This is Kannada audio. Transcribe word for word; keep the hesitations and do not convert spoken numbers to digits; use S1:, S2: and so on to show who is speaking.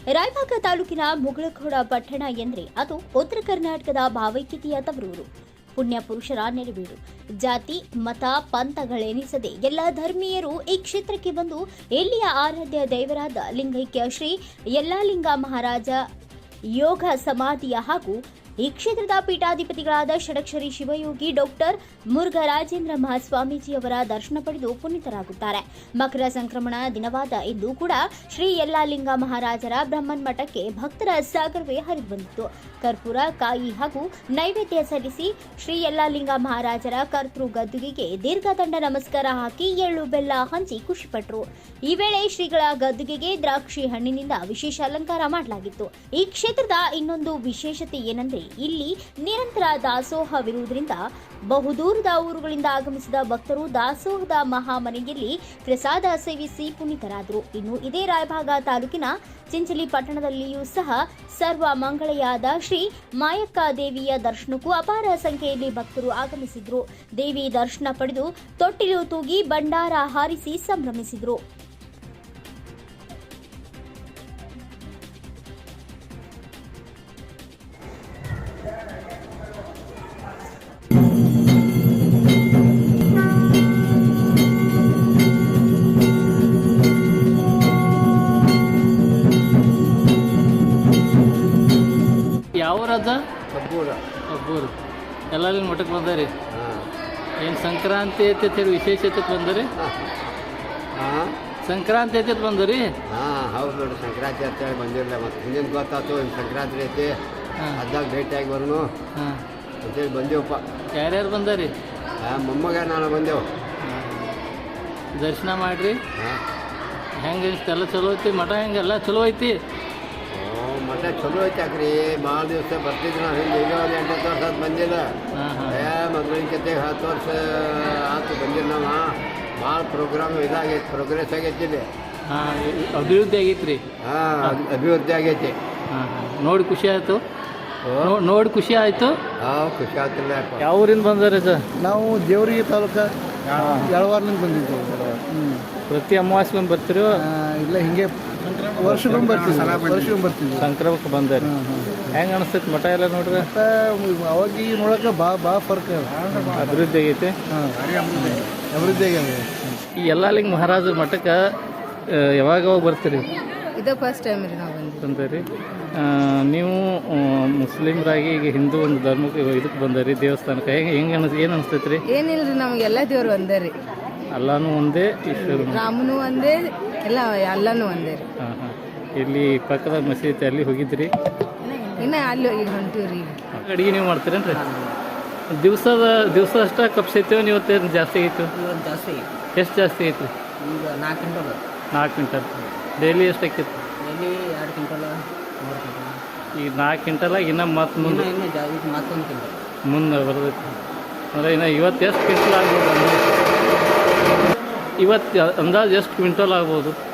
S1: ರಾಯಬಾಗ ತಾಲೂಕಿನ ಮುಗಳಖೋಡ ಪಟ್ಟಣ ಎಂದರೆ ಅದು ಉತ್ತರ ಕರ್ನಾಟಕದ ಭಾವೈಕ್ಯತೆಯ ತವರೂರು. ಪುಣ್ಯ ಪುರುಷರ ನೆರವೀಡು. ಜಾತಿ ಮತ ಪಂಥಗಳೆನಿಸದೆ ಎಲ್ಲ ಧರ್ಮೀಯರು ಈ ಕ್ಷೇತ್ರಕ್ಕೆ ಬಂದು ಇಲ್ಲಿಯ ಆರಾಧ್ಯ ದೈವರಾದ ಲಿಂಗೈಕ್ಯ ಶ್ರೀ ಯಲ್ಲಾಲಿಂಗ ಮಹಾರಾಜ ಯೋಗ ಸಮಾಧಿಯ ಹಾಗೂ ಈ ಕ್ಷೇತ್ರದ ಪೀಠಾಧಿಪತಿಗಳಾದ ಷಡಕ್ಷರಿ ಶಿವಯೋಗಿ ಡಾಕ್ಟರ್ ಮುರುಘರಾಜೇಂದ್ರ ಮಹಾಸ್ವಾಮೀಜಿಯವರ ದರ್ಶನ ಪಡೆದು ಪುನೀತರಾಗುತ್ತಾರೆ. ಮಕರ ಸಂಕ್ರಮಣ ದಿನವಾದ ಇಂದು ಕೂಡ ಶ್ರೀ ಯಲ್ಲಾಲಿಂಗ ಮಹಾರಾಜರ ಬ್ರಹ್ಮನ್ ಮಠಕ್ಕೆ ಭಕ್ತರ ಸಾಗರವೇ ಹರಿದು ಬಂದಿತ್ತು. ಕರ್ಪೂರ, ಕಾಯಿ ಹಾಗೂ ನೈವೇದ್ಯ ಸಲ್ಲಿಸಿ ಶ್ರೀ ಯಲ್ಲಾಲಿಂಗ ಮಹಾರಾಜರ ಕರ್ತೃ ಗದ್ದುಗೆಗೆ ದೀರ್ಘದಂಡ ನಮಸ್ಕಾರ ಹಾಕಿ ಎಳ್ಳು ಬೆಲ್ಲ ಹಂಚಿ ಖುಷಿಪಟ್ಟರು. ಈ ವೇಳೆ ಶ್ರೀಗಳ ಗದ್ದುಗೆಗೆ ದ್ರಾಕ್ಷಿ ಹಣ್ಣಿನಿಂದ ವಿಶೇಷ ಅಲಂಕಾರ ಮಾಡಲಾಗಿತ್ತು. ಈ ಕ್ಷೇತ್ರದ ಇನ್ನೊಂದು ವಿಶೇಷತೆ ಏನೆಂದರೆ ಇಲ್ಲಿ ನಿರಂತರ ದಾಸೋಹವಿರುವುದರಿಂದ ಬಹುದೂರದ ಊರುಗಳಿಂದ ಆಗಮಿಸಿದ ಭಕ್ತರು ದಾಸೋಹದ ಮಹಾಮನೆಯಲ್ಲಿ ಪ್ರಸಾದ ಸೇವಿಸಿ ಪುನೀತರಾದರು. ಇನ್ನು ಇದೇ ರಾಯಭಾಗ ತಾಲೂಕಿನ ಚಿಂಚಲಿ ಪಟ್ಟಣದಲ್ಲಿಯೂ ಸಹ ಸರ್ವ ಮಂಗಳೆಯಾದ ಶ್ರೀ ಮಾಯಕ್ಕ ದೇವಿಯ ದರ್ಶನಕ್ಕೂ ಅಪಾರ ಸಂಖ್ಯೆಯಲ್ಲಿ ಭಕ್ತರು ಆಗಮಿಸಿದ್ರು. ದೇವಿ ದರ್ಶನ ಪಡೆದು ತೊಟ್ಟಿಲು ತೂಗಿ ಭಂಡಾರ ಹಾರಿಸಿ ಸಂಭ್ರಮಿಸಿದ್ರು.
S2: ಯಾವ ರಾಜ
S3: ಕಬ್ಬೂರ
S2: ಒಬ್ಬರು ಎಲ್ಲರಿಗೂ ಮಠಕ್ಕೆ ಬಂದಾರಿ. ಏನು ಸಂಕ್ರಾಂತಿ ಐತೆ ವಿಶೇಷತೆ ಬಂದರಿ?
S3: ಹಾಂ
S2: ಸಂಕ್ರಾಂತಿ ಐತೆ ಬಂದರಿ?
S3: ಹಾಂ ಹೌದು ನೋಡಿ, ಸಂಕ್ರಾಂತಿ ಅಂತೇಳಿ ಬಂದಿರಲಿಲ್ಲ. ಮತ್ತು ಹಿಂದಿನ ಗೊತ್ತಾಯ್ತು ಇನ್ನು ಸಂಕ್ರಾಂತಿ ಐತಿ, ಅದಾಗ ಭೇಟಿಯಾಗಿ ಬರೋನು
S2: ಹಾಂ
S3: ಅಂತೇಳಿ ಬಂದೇವಪ್ಪ.
S2: ಯಾರ್ಯಾರು ಬಂದಾರಿ?
S3: ಹಾಂ ಮೊಮ್ಮಗ ನಾನು ಬಂದೆವು.
S2: ದರ್ಶನ ಮಾಡಿರಿ.
S3: ಹಾಂ
S2: ಹೆಂಗೆ ಎಲ್ಲ ಚಲೋ ಐತಿ? ಮಠ ಹೆಂಗೆಲ್ಲ ಚಲೋ ಐತಿ?
S3: ಓ ಮಠ ಚಲೋ ಐತಿ ಯಾಕ್ರಿ, ಭಾಳ ದಿವಸ ಬರ್ತಿದ್ವಿ ನಾವು. ಹಿಂಗೆ ಈಗ ಒಂದು ಎಂಟು ಹತ್ತು ವರ್ಷ ಅದು ಬಂದಿಲ್ಲ.
S2: ಹಾಂ ಹಾಂ
S3: ಏ ಮೊದಲಿನ ಜೊತೆಗೆ ಹತ್ತು ವರ್ಷ ಆಯ್ತು ಬಂದಿಲ್ಲ ನಾವು. ಭಾಳ ಪ್ರೋಗ್ರಾಮ್ ಇದಾಗೈತಿ, ಪ್ರೋಗ್ರೆಸ್ ಆಗೈತಿ ಇಲ್ಲಿ.
S2: ಹಾಂ ಅಭಿವೃದ್ಧಿ ಆಗೈತಿ ರೀ.
S3: ಹಾಂ ಅಭಿವೃದ್ಧಿ ಆಗೈತಿ.
S2: ಹಾಂ ಹಾಂ ನೋಡಿ ಖುಷಿ ಆಯಿತು. ನೋಡಿ ಖುಷಿ ಆಯಿತು.
S3: ಹಾಂ ಖುಷಿ ಆಗ್ತಿಲ್ಲ.
S2: ಯಾವ ಊರಿಂದ ಬಂದಾರೆ ಸರ್?
S4: ನಾವು ದೇವರಿಗೆ ತಾಲೂಕು ಯಳವಾರ್ಲಿಂದ ಬಂದಿದ್ದೀವಿ. ಹ್ಞೂ
S2: ಪ್ರತಿ ಅಮಾವಾಸ್ಯೆಗೊಂದು ಬರ್ತೀರಿ?
S4: ಇಲ್ಲ ಹಿಂಗೆ ವರ್ಷಕ್ಕೊಮ್ಮೆ ಬರ್ತೀವಿ ವರ್ಷಕ್ಕೊಮ್ಮೆ ಬರ್ತೀವಿ
S2: ಸಂಕ್ರಮಕ್ಕೆ ಬಂದಾರೆ. ಹೆಂಗೆ ಅನಿಸ್ತೈತಿ ಮಠ ಎಲ್ಲ ನೋಡ್ರಿ?
S4: ಮತ್ತು ಅವಾಗ ಈಗ ನೋಡೋಕೆ ಭಾಳ ಭಾಳ ಫರ್ಕ್
S2: ಅಭಿವೃದ್ಧಿ ಆಗೈತೆ.
S4: ಹಾಂ ಅಭಿವೃದ್ಧಿ ಆಗ್ಯಾವ.
S2: ಈ ಯಲ್ಲಾಲಿಂಗ ಮಹಾರಾಜರ ಮಠಕ್ಕೆ ಯಾವಾಗ ಯಾವಾಗ ಬರ್ತೀರಿ?
S5: ಇದು ಫಸ್ಟ್ ಟೈಮ್ ರೀ ನಾವು ಬಂದಿದ್ದು.
S2: ಬಂದಿರಿ. ನೀವು ಮುಸ್ಲಿಮ್ರಾಗಿ ಈಗ ಹಿಂದೂ ಒಂದು ಧರ್ಮಕ್ಕೆ ಇದಕ್ಕೆ ಬಂದರಿ, ದೇವಸ್ಥಾನಕ್ಕೆ. ಹೆಂಗೆ ಹೆಂಗೆ ಅನಿಸ್ ಏನು ಅನಿಸ್ತೈತಿ ರೀ?
S5: ಏನಿಲ್ಲ ರೀ, ನಮಗೆಲ್ಲ ದೇವ್ರು ಒಂದೇ ರೀ.
S2: ಅಲ್ಲಾನು ಒಂದೇ, ಈಶ್ವರ
S5: ರಾಮನು ಒಂದೇ, ಎಲ್ಲ ಎಲ್ಲನೂ ಒಂದೇ ರೀ.
S2: ಹಾಂ ಹಾಂ ಇಲ್ಲಿ ಪಕ್ಕದ ಮಸೀದಿ ಅಲ್ಲಿ ಹೋಗಿದ್ರಿ?
S5: ಇನ್ನು ಅಲ್ಲಿ ಈಗ ಹೊಂಟೀವಿ ರೀ.
S2: ಅಡುಗೆ ನೀವು ಮಾಡ್ತೀರೇನ್ರಿ? ದಿವಸದ ದಿವಸ ಅಷ್ಟೇ ಕಪ್ಸೈತೇವೆ ನೀವು? ಇವತ್ತೇನು ಜಾಸ್ತಿ ಐತು?
S6: ಜಾಸ್ತಿ
S2: ಎಷ್ಟು ಜಾಸ್ತಿ ಐತಿ?
S6: ಈಗ ನಾಲ್ಕು ಕ್ವಿಂಟಲ್
S2: ನಾಲ್ಕು ಕ್ವಿಂಟಲ್. ಡೈಲಿ ಎಷ್ಟು ಆಕೈತಿ?
S6: ಡೈಲಿ ಎರಡು ಕ್ವಿಂಟಲ್ ಮೂರು ಕ್ವಿಂಟಲ್.
S2: ಈಗ ನಾಲ್ಕು ಕ್ವಿಂಟಲಾಗಿ ಇನ್ನೂ ಮತ್ತೆ ಮುಂದೆ
S6: ಇನ್ನು ಜಾ ಈಗ ಮತ್ತೊಂದು ಕ್ವಿಂಟಲ್
S2: ಮುಂದೆ ಬರ್ತೈತಿ. ಅಂದರೆ ಇನ್ನು ಇವತ್ತು ಎಷ್ಟು ಕ್ವಿಂಟಲ್ ಆಗ್ಬೋದು? ಇವತ್ತು ಅಂದಾಜು ಎಷ್ಟು ಕ್ವಿಂಟಲ್ ಆಗ್ಬೋದು?